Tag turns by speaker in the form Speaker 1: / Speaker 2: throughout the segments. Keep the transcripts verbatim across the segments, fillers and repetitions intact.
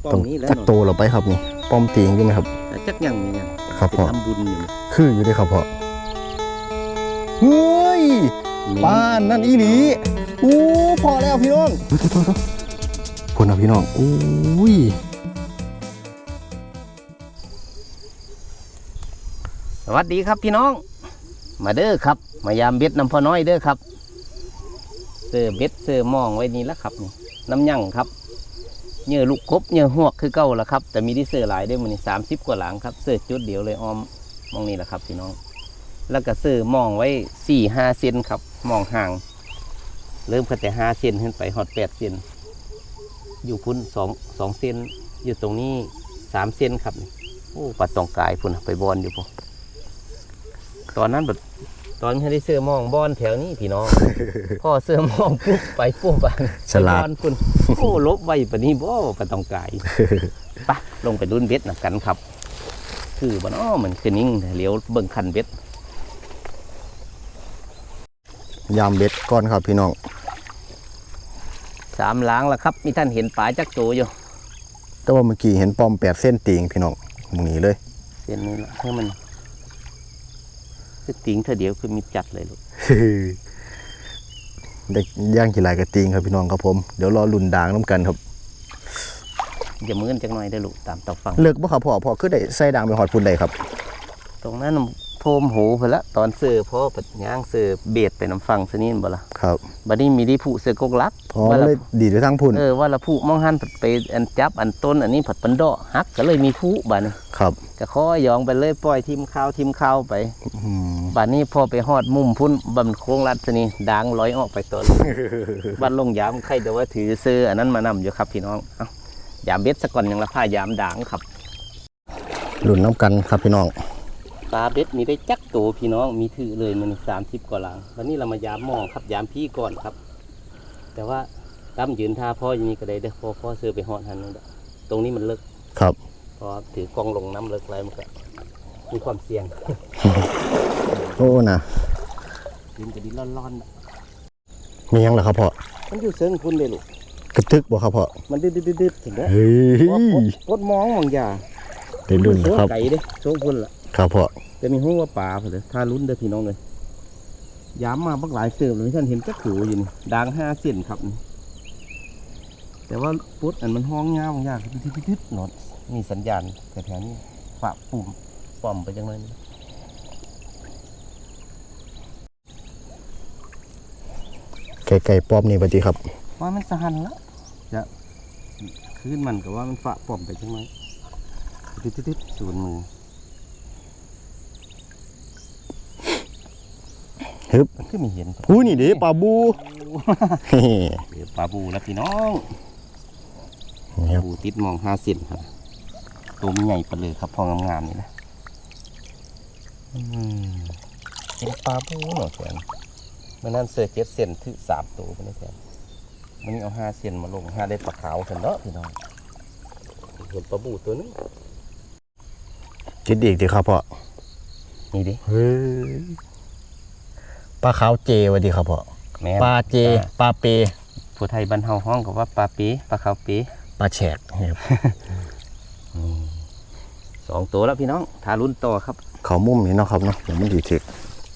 Speaker 1: ต้องจักโตเราไปครับนี่ป้อมตีงอยู่ไหมครับ
Speaker 2: จักยังนี่ยัง
Speaker 1: ครับพ่อ
Speaker 2: ทำบุญอยู่
Speaker 1: คืออยู่ด้วยครับพ่อเฮ้ยบ้านนั่นอีหลีอู้พอแล้วพี่น้องพุ่นนะพี่น้องอุ้ย
Speaker 2: สวัสดีครับพี่น้องมาเด้อครับมายามเบ็ดน้ำพ่อน้อยเด้อครับเสื้อเบ็ดเสื้อมองไว้นี่แล้วครับนี่น้ำยั่งครับเนื้อลูกกบเนื้อหวกคือเก่าละครับแต่มีที่เสื้อหลายได้มันนี่สามสิบกว่าหลังครับเสื้อจุดเดียวเลยออมมองนี่แหละครับพี่น้องแล้วก็เสื้อมองไว้สี่ห้าเซนครับมองห่างเริ่มขึ้นแต่ห้าเซนขึ้นไปหอดแปดเซนอยู่พุ่นสองสองเซนอยู่ตรงนี้สามเซนครับโอ้ปลาตองกายพุ่นไปบอลอยู่ปุ๊ตอนนั้นแบบตอนที่ได้เสื้อมองบอลแถวนี้พี่น้อง พ่อเสื้อมองปุ๊บไปปุ๊บไป
Speaker 1: ฉลาด
Speaker 2: คุณโอ้ลบไว้ปนี้บ่ปลาตองกายปะลงไปดุนเบ็ดนะกันครับคือบ้านอ้อเหมือนคือนิ่งเลี้ยวเบิ่งคันเบ็ด
Speaker 1: ยามเบ็ดก่อนครับพี่น้อง
Speaker 2: สามล้างแล้วครับมีท่านเห็นปลาจักโตอยู่
Speaker 1: แต่ว่าเมื่อกี้เห็นป้อมแปดเส้นตีงพี่น้องมึงหนีเลย
Speaker 2: เส้นนี้ละเพื่อมันคือติงเธอเดียวคือมีจัดเลยลูก
Speaker 1: ได้ย่างกี่ลายกระติงครับพี่น้องครับผมเดี๋ยวรอลุ่นด่างน้ำกันครับ
Speaker 2: อย่ามือนจักหน่อยได้ลูกตามตอกฟัง
Speaker 1: เลิกบ่ครับพ่อพ่อคือได้ใส่ด่างไปหอดพุ่นใดครับ
Speaker 2: ตรงนั้นโพมหูไปละตอนเสือพ่อปัดย่างเสือเบียดไปน้ำฟังสนี่บ่ละ
Speaker 1: ครับ
Speaker 2: บัดนี้มีที่ผู้เสือกกลัก
Speaker 1: พอเลยดีไปทั้งพุ่น
Speaker 2: เออว่าละผู้มองหันผัดไปอันจับอันต้นอันนี้ผัดปันดอฮักก็เลยมีผู้บัดนี้
Speaker 1: ครับ
Speaker 2: ก็ข้อยองไปเลยปล่อยทิมข้าวทิมข้าวไปบัดนี้พอไปหอดมุมพุ่นบันโค้งรัดสนี่ด่างลอยออกไปต้น บัดลงยามใครเดี๋ยวว่าถือเสืออันนั้นมานำอยู่ครับพี่น้องเอ้ายามเบ็ดสะก่อนยังละผ้ายามด่างครับ
Speaker 1: ลุ่นน้ำกันครับพี่น้อง
Speaker 2: ปลาเบ็ดมีได้จักโตพี่น้องมีถือเลยมันสามสิบกว่าหลังวันนี้เรามายามมองครับยามพี่ก่อนครับแต่ว่าตั้มยืนท่าพ่ออย่างนี้ก็ได้เด้อพ่อพ่อเสือไปหอดหันนึงตรงนี้มันเลิก
Speaker 1: ครับ
Speaker 2: พอถือกองลงน้ำเลิกอะไรมันก็มีความเสี่ยง
Speaker 1: โอ้นะ
Speaker 2: ดินจะดินร้อน
Speaker 1: มียังเหรอครับพ่อ
Speaker 2: มันอยู่เซิงพุ่นเลยลูก
Speaker 1: กระทึกบ่ครับพ่อ
Speaker 2: มันดืดดืดดืดถึงแล้วปดมองบางอย่าง
Speaker 1: ได้รุ่นครับ
Speaker 2: ไก่เด้โชว์พุ่นละ
Speaker 1: ครับพ่อ
Speaker 2: จะมีหัวปลาเผลอถ้าลุ้นเด้อพี่น้องเลยย้ำมาบักหลายเสือเลยท่านเห็นจักขู่อยู่นี่ด่างห้าเส้นครับแต่ว่าปุ๊ดอันมันห้องเงาบางอย่างทิดๆหนอดมีสัญญาณแต่แถวนี้ฝาปุ่มป้อมไปจังเลย
Speaker 1: ไก่ไก่ป้อมนี่ปฏิครับ
Speaker 2: ว่ามันสหันแล้วจะขึ้นมันกับว่ามันฝาป้อมไปจังเลยทิดๆสูนมือ
Speaker 1: ฮึบ
Speaker 2: คือไม่เห็น
Speaker 1: ผู้นี่เด้ปลาบู
Speaker 2: เดี๋ยวปลาบูแล้วพี่น้องปลาบูติดมองห้าเซนครับตัวมันใหญ่ไปเลยครับพองามๆนี่นะเป็นปลาบูหน่อยแขนเมื่อนั้นเสือเจ็ดเซนถึงสามตัวไปนี่แขนมันนี่เอาห้าเซนมาลงห้าได้ปลาขาวกันเนาะพี่น้องเห็นปลาบูตัวนึง
Speaker 1: คิดอีกดีครับพ่อ
Speaker 2: นี่ดิ
Speaker 1: เฮ้ยปลาขาวเจวะดีครับพ่อปลาเจปลาเป
Speaker 2: ผู้ไทยบ้านเฮาห้องกับว่าปลาปีปลาขาวปี
Speaker 1: ปลาแฉก
Speaker 2: สองตัวแล้วพี่น้องทารุ่นต่อครับ
Speaker 1: เขามุมนี่เนาะครับเนาะเดี๋ยวมันดีถึก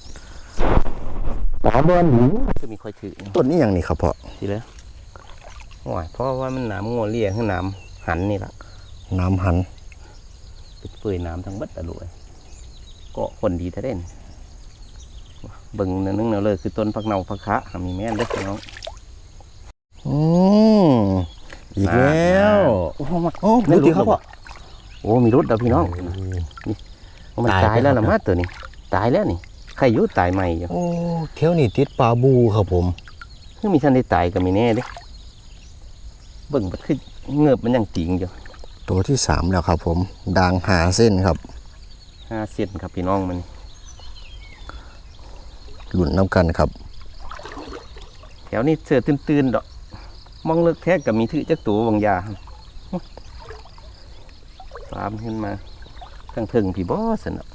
Speaker 1: ปลาบอล
Speaker 2: คือมีคอยถือ
Speaker 1: ต้นนี้อย่างนี้ครับพ่อ
Speaker 2: ทีเลยโอ้ยเพราะว่ามันหนามงัวเลี้ยขึ้นหนามหันนี่แหละ
Speaker 1: น้ำหัน
Speaker 2: ปิดเปื่อยน้ำทั้งบัดตะลุยก็คนดีแท้เด่นเบิ่งนึงเนาเลยคือต้นผักเนาผักคะมีแม่เล็กน้อง
Speaker 1: อืมอีกแล้ว
Speaker 2: โอ้โหโอ้ไม่รู้ครับพ่อโอ้มีรถเด้อพี่น้องนี่มันตายแล้วนะมาตัวนี้ตายแล้วนี่ใครยุ่ตายใหม่อยู่
Speaker 1: โอ้เที่ยวนี่ติดปลาบูครับผม
Speaker 2: คือมีท่านได้ตายก็มีแน่เด้เบิ่งมันคือเงือบมันยังจริงอยู่
Speaker 1: ตัวที่สามแล้วครับผมด่างหาเส้นครับ
Speaker 2: ห้าเส้นครับพี่น้องมัน
Speaker 1: หลุนน้ำกันครับ
Speaker 2: แถวนี้เสือตื่นๆดอกมองเลิกแท้กับมีถือจักตัวบางยาฟาร์มขึ้นมาทั้งถึงพี่บอสนะ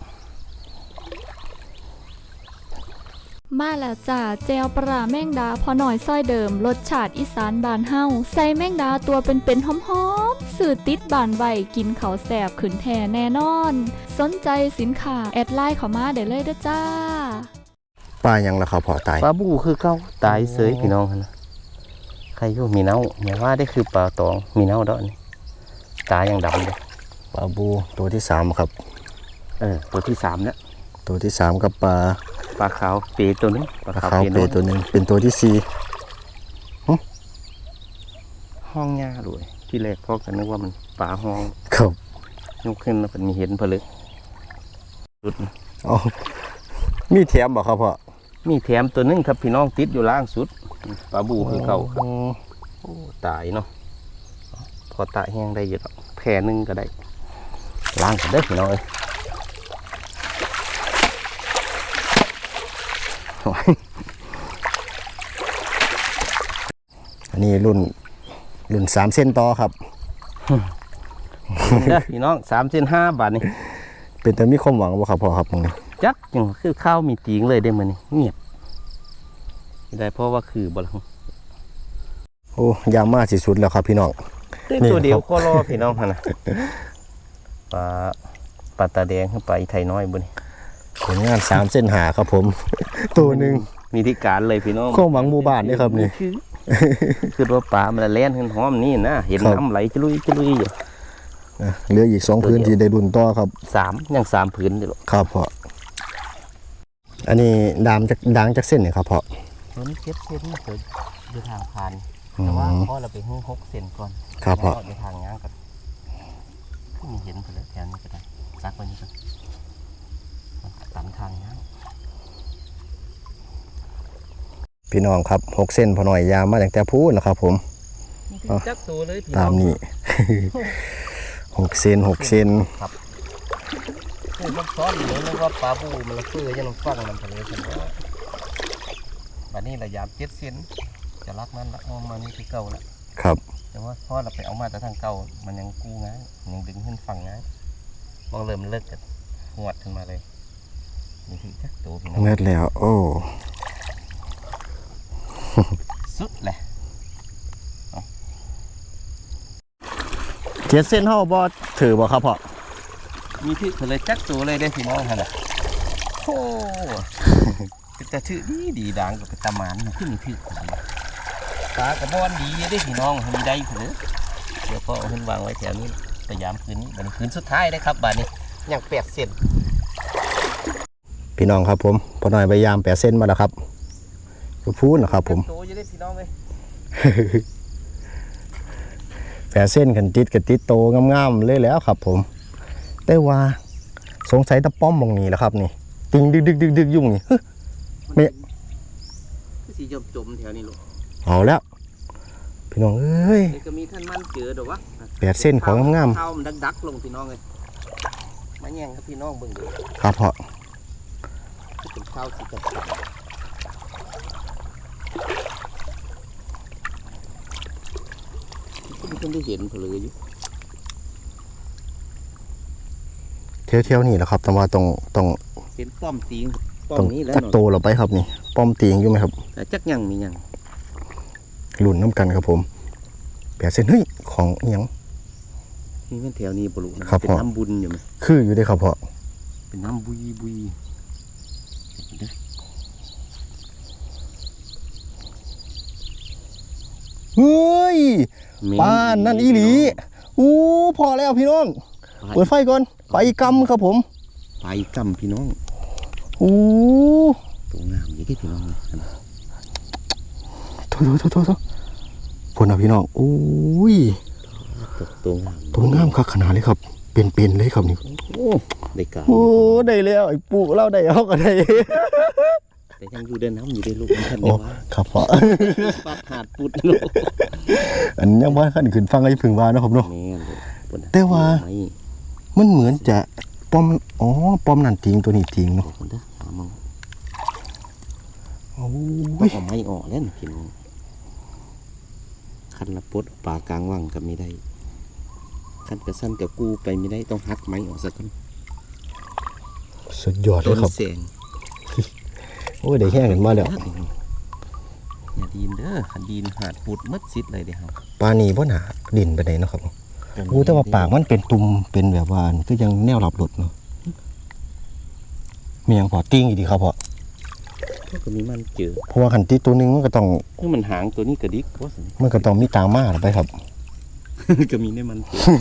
Speaker 3: มาแล้วจ้าเจลปลาแมงดาพอหน่อยซ้อยเดิมรสชาติอีสานบานเฮาใส่แมงดาตัวเป็นๆหอมๆแสื่อติดบานใบกินเขาวแสบขืนแทนแน่นอน สนใจสินค้าแอดไลน์เข้ามาได้เลยเด้อจ้า
Speaker 1: ปลายังล่ะครับพ่อตาย
Speaker 2: ปลาบูคือเก่าตายเสยพี่น้องหั่นนะใครอยู่มีเน่าอย่าว่าได้คือปลาตองมีเน่าดอกนี่ตายังดำเลย
Speaker 1: ปลาบูตัวที่สามครับ
Speaker 2: เออตัวที่สามแล้ว
Speaker 1: ตัวที่สามกับปลา
Speaker 2: ปลาขาวเปตัวนึงปลา
Speaker 1: ปลา
Speaker 2: ขาว
Speaker 1: ขาว
Speaker 2: เป
Speaker 1: เป
Speaker 2: น้อย
Speaker 1: ตัวหนึ่งเป็นตัวที่สี่
Speaker 2: ห้องหญ้าด้วยที่แรกพ่อก็นึกว่ามันปลาห้อง
Speaker 1: ครับ
Speaker 2: ยกขึ้นแล้วมันมีเห็นผลึกสุด
Speaker 1: อ๋อมีแถมบ่ครับพ่อ
Speaker 2: มีแถมตัวนึงครับพี่น้องติดอยู่ล่างสุดปลาบูคือเก่าครับ
Speaker 1: อ๋อ
Speaker 2: โอ้ตายเนาะพอตายแห้งได้เยอะแผ่หนึงก็ได้ล้างกันเด้อพี่น้องเอ้ยโอ้ย
Speaker 1: อันนี้รุ่นรุ่นสามเส้นต่อครับ
Speaker 2: เด้อพี่น้องสามเส้นห้าบาทนี่
Speaker 1: เป็นแต่มีความหวังบ่ครับพ่อครับมึงนี่
Speaker 2: จักยังคือข้าวมีตีงเลยได้มันนี่เงียบไม่ได้เพราะว่าคือบลัง
Speaker 1: โอ้ยามมาสิสุดแล้วครับพี่น้อง นี่
Speaker 2: ตัวเดียว
Speaker 1: ครับ
Speaker 2: ก็รอพี่น้องหั่นนะปลาปลาตาแดงขึ้นไปไทยน้อยบุญ
Speaker 1: ผลงานสามเส้นหาครับผม ตัวหนึ่ง
Speaker 2: มีที่การเลยพี่น้อง
Speaker 1: ความหวังหมู่บ้านนี่ครับนี่
Speaker 2: คือคือว่าปลามันแล่นขึ้นหอมนี่นะเห็น
Speaker 1: ครับ
Speaker 2: น้ำไหลจะลุยจะลุยอยู่
Speaker 1: อ่ะเหลืออีกสองพื้นที่ได้รุ่นต่อครับ
Speaker 2: สามยังสามผืนอยู่หรอก
Speaker 1: ครับพ่ออันนี้ดามจากด่างจากเส้นเนี่ยครับพ่อ
Speaker 2: ตัวนี้เจ็ดเซนเกิดอยู่ทางผ่าน
Speaker 1: อืม
Speaker 2: แต่ว่าพอเราไปหุ้งหกเซนก่อน
Speaker 1: ครับพ่อ
Speaker 2: แล้วเดี๋ยวทางง้างกันมีเห็นไปเลยแถวนี้ก็ได้ซักไว้นี่ก่อนมันตันทางง้าง
Speaker 1: พี่น้องครับหกเส้นพอหน่อยยามมาตั้งแต่พูดนะครับผม อ๋อ
Speaker 2: จักตัวเลยพี่
Speaker 1: ตาม
Speaker 2: อง
Speaker 1: นี้ หกเส้นหกเส้น
Speaker 2: ครับคือมันซ้อนอยู่เลยนึกว่าปลาบูมันละเฟื่อยังฟังมันทะเลฉันว่าบัดนี้ระยะเจ็ดเซนจะรักมันละเอามานี่คือเก่าละ
Speaker 1: ครับ
Speaker 2: แต่ว่าพอเราไปเอามาแต่ทางเก่ามันยังกู้ง่ายมันยังดึงขึ้นฝั่งง่ายมองเริ่มเลิกกันหวดขึ้นมาเลยนี่คือจักตัวพี่น้อง
Speaker 1: เมื่อแล้ว โอ้
Speaker 2: สุดเลย
Speaker 1: เจ็ดเส้นเท่าบอถือบ่ครับพ่อ
Speaker 2: มีที่เลยจักตัวเลยได้อพี่น้องฮะน่ะโอ้เป็นแต่ถือดีดีดังกับเป็นตาหมานนะขึ้นมีถือปลากระบอนดีได้อพี่น้องมีได้เผือเดี๋ยวพ่อเอาขึ้นวางไว้แถวนี้แต่ยามคืนนี้บัดนคืนสุดท้ายได้ครับบัดนี้ยังแปดเซน
Speaker 1: พี่น้องครับผมพอหน่อยใบยามแปดเส้นมาแล้วครับก็พูดนะครับผม
Speaker 2: โตจะได้พี่น้องเลย
Speaker 1: แปดเส้นกันติดกับติดโตงามๆเลยแล้วครับผมแต่ว่าสงสัยตะป้อมมองนี้แหละครับนี่ติงดึกดึกดึกดึกยุ่งนี่เฮ้ย ไม่
Speaker 2: คือสีจมจมแถวนี้ลูก
Speaker 1: เอาแล้ว พี่น้องเอ้ย
Speaker 2: เดี๋ยวก็มีท่านมันเจอเดี๋ยววะ
Speaker 1: แปดเส้นของงาม
Speaker 2: ข้าวมันดักดักๆลงพี่น้องเลยมาแย่งครับพี่น้องเบิ่งดู
Speaker 1: ๆครับพ่อ
Speaker 2: เป็นข้าวสีจัดจัดก็มีคนได้เห็นเผลออยู่
Speaker 1: เที่ยวเที่ยวๆนี่แหละครับแต่ว่าต้องต้อง
Speaker 2: เห็นป้อมตีงป้อ
Speaker 1: ต้อ
Speaker 2: ม
Speaker 1: ง
Speaker 2: นี้แล้ว
Speaker 1: จัก
Speaker 2: เนาะ
Speaker 1: โตเราไปครับนี่ป้อมตีงอยู่ไหมครับ
Speaker 2: แต่จักยังมียัง
Speaker 1: หลุนน้ำกันครับผมแปดเส้นเฮ้ยของอิหยัง
Speaker 2: นี่มันแถวนี้ปลุนะครับ เป็น
Speaker 1: พ่อ
Speaker 2: น้ำบุญอยู่ไหม
Speaker 1: คืออยู่ได้ครับพ่อ
Speaker 2: เป็นน้ำบุยบุย
Speaker 1: เฮ้ยป้านนั่นอีหลีอู้พอแล้วพี่น้องเปิดไฟก่อนไปกำครับผม
Speaker 2: ไปกำพี่น้อง
Speaker 1: อู้
Speaker 2: ตัวงามอย่างที่พี่น้องเลย
Speaker 1: โถโถโถโถโถพลนะพี่น้องอุ้ย
Speaker 2: ตัวตัวงาม
Speaker 1: ตัวงามคักขนาดเลยครับ เป็นๆเลยครับนี่
Speaker 2: โอ้ได้การ
Speaker 1: โอ้ได้แล้วไอ้ปู่เราได้เอาก็ได้
Speaker 2: แต่ยังอยู่เดินน้ำอยู่ได้ลูกมันทัน
Speaker 1: โอ้
Speaker 2: ได้ว่า
Speaker 1: ครับพ่อ
Speaker 2: ปาดหาดปุดลูก
Speaker 1: อันยังว่าขั้นขึ้นฟังไอ้พึ่งว่านะครับเนาะ
Speaker 2: แม่นเลยปุ่นน่ะ
Speaker 1: แต่ว่า
Speaker 2: ไม่
Speaker 1: มันเหมือนจะป้อมอ๋อป้อมนั่นทิ้งตัวนี้ทิ้งเนาะ
Speaker 2: คนเด้อหามึง
Speaker 1: โอ้
Speaker 2: ต้อง
Speaker 1: ย
Speaker 2: เอาไม้ออกแล้วนะพี่น้องคันละปดปลากลางว่างกับไม่ได้คันกระสั้นกับกูไปไม่ได้ต้องหักไม้ออกสักคน
Speaker 1: สุดยอดเล
Speaker 2: ต้
Speaker 1: ย
Speaker 2: น
Speaker 1: ครับ
Speaker 2: เสียง
Speaker 1: โอ้ยได้แห้งกันมาแล้ว
Speaker 2: อย่าดีนเด้อขันดีนหาดปุดมัดซิดเลยเดี๋ยว
Speaker 1: ปลานีบ่หนาดินไปไหนเนาะครับโอ้แต่ว่าปากมันเป็นตุ่มเป็นแบบว่าคือยังแนวหลับหลุดเนาะมียังพอติ้งอีกดีครับพอ
Speaker 2: ก็มีมันเจอ
Speaker 1: เพราะว่าขันตีตัวหนึงมันก็ต้อง
Speaker 2: นี่มันหางตัวนี้กระดิกว่าสิ
Speaker 1: มันก็ต้องมีตามมาไปครับ
Speaker 2: ก็มีในมันเจอ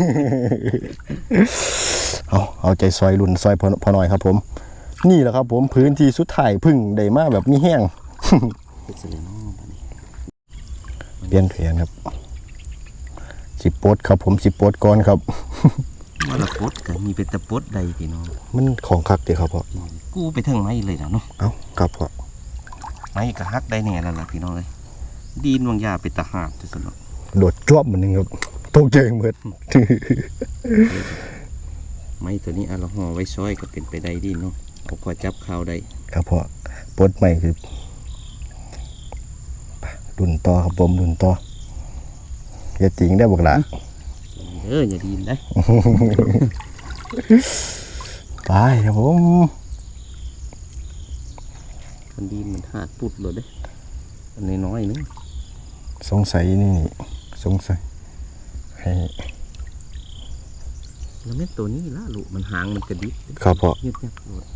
Speaker 1: เอาเอาใจซอยรุ่นซอยพอพอหน่อยครับผม นี่แหละครับผมพื้นที่สุดท้ายพึ่งได้มาแบบมีแห้ง
Speaker 2: เป็นเสลนอปะนี่
Speaker 1: เปลี่ยนแผนครับสิโปดครับผมสิโปดก่อนครับ
Speaker 2: ว่าละปดก็มีเป็นตะปดใดพี่น้อง
Speaker 1: มันของคักเดีครับพ่อ
Speaker 2: กูไปถึงไม้เลยนะเนาะ
Speaker 1: เอาครับพ่อ
Speaker 2: ไม้ก็ฮักได้แน่แล้วล่ะพี่น้องเลยดีนวางยาเป็นตะหาบที่สุดเนาะ
Speaker 1: โดดจ้วบเหมือนนึงครับตกใจเหมือน
Speaker 2: ไม้ตัวนี้อะเราห่อไว้ซอยก็เป็นไปได้ดีเนาะเอาพอจับข่าวได้
Speaker 1: ครับพ่อปลดใหม่คือดุนต่อครับผมดุนต่ออย่าจริงได้บอกละ
Speaker 2: เอออย่าดีนได้
Speaker 1: ไปครับผม
Speaker 2: มันดีนมันหาดปุดเลยเด้อันนี้น้อยนึง
Speaker 1: สงสัยนี่สงสัยให้
Speaker 2: แล้วแม่ตัวนี้ละลูกมันหางมันกระดิก
Speaker 1: ครับพ่อ
Speaker 2: เงียบเงียบโลด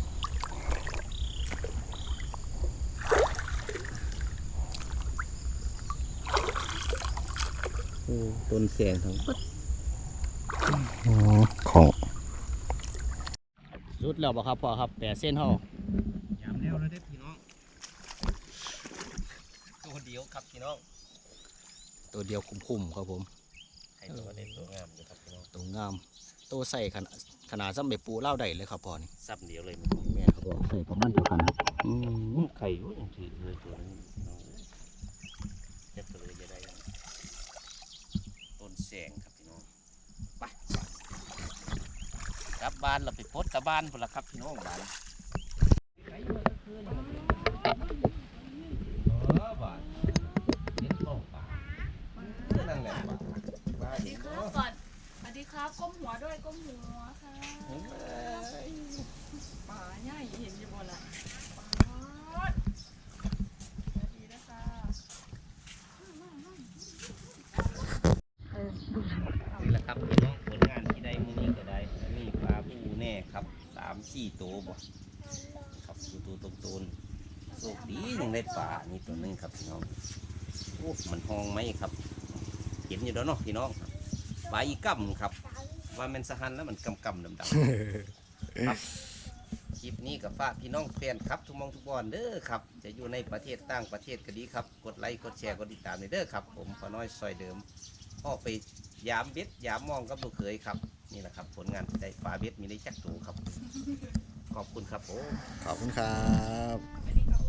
Speaker 2: โอ้ต้นแสงทั้งปัด
Speaker 1: อืมของ
Speaker 2: สุดแล้วบ่ครับพ่อครับแปดเส้นห่อยามแล้วแล้วเด้พี่น้องตัวเดียวครับพี่น้อง
Speaker 1: ตัวเดียวคุ้มๆครับผม
Speaker 2: ให้ตัวเด็ดตัวงามอยู่ครับพี่น้อง
Speaker 1: ตัวงามตัวใส่ขนาดขนาดซ้ำไปปูเล่าได้เลยครับพ่อนี่
Speaker 2: ซับเดียวเลยมัน
Speaker 1: แม่นครับพ่อใส่ประมาณเดียวกันครับ
Speaker 2: อืมไข่อยู่ยังถือเลยตัวนี้พี่น้องเจ็บเลยจะได้ต้นแสงครับพี่น้องไปกลับบ้านเราไปพดตะบ้านพุ่นละครับพี่น้องบ้านนั่นแหละ
Speaker 3: สวัสดีครับก่อนสวัสดีครับก้มหัวด้วยก้มหัวค่ะป่าใหญ่เห็นอยู่บนละป่าสวัสดีนะคะเออ
Speaker 2: นี่แหละครับพี่น้องผลงานที่ได้มื้อนี้ก็ได้มีปลาปูแน่ครับสามสี่ตัวบ่ครับตัวตัวตนๆโชคดียังได้ปลานี่ตัวหนึงครับพี่น้องโอ้มันห้องไหมครับเห็นอยู่แล้วเนาะพี่น้องปลาอีกัมครับว่ามันสหันแล้วมันกำกำดำดำครับคลิปนี้กับฝากพี่น้องแฟนครับทุกมองทุกบอลเด้อครับจะอยู่ในประเทศต่างประเทศก็ดีครับกดไลค์กดแชร์กดติดตามเด้อครับผมพอน้อยซอยเดิมออกไปยามเบ็ดยามมองกับลูกเขยครับนี่แหละครับผลงานที่ได้ปลาเบ็ดมีได้จักตูครับขอบคุณครับผม
Speaker 1: ขอบคุณครับ
Speaker 3: สวัสดีครับ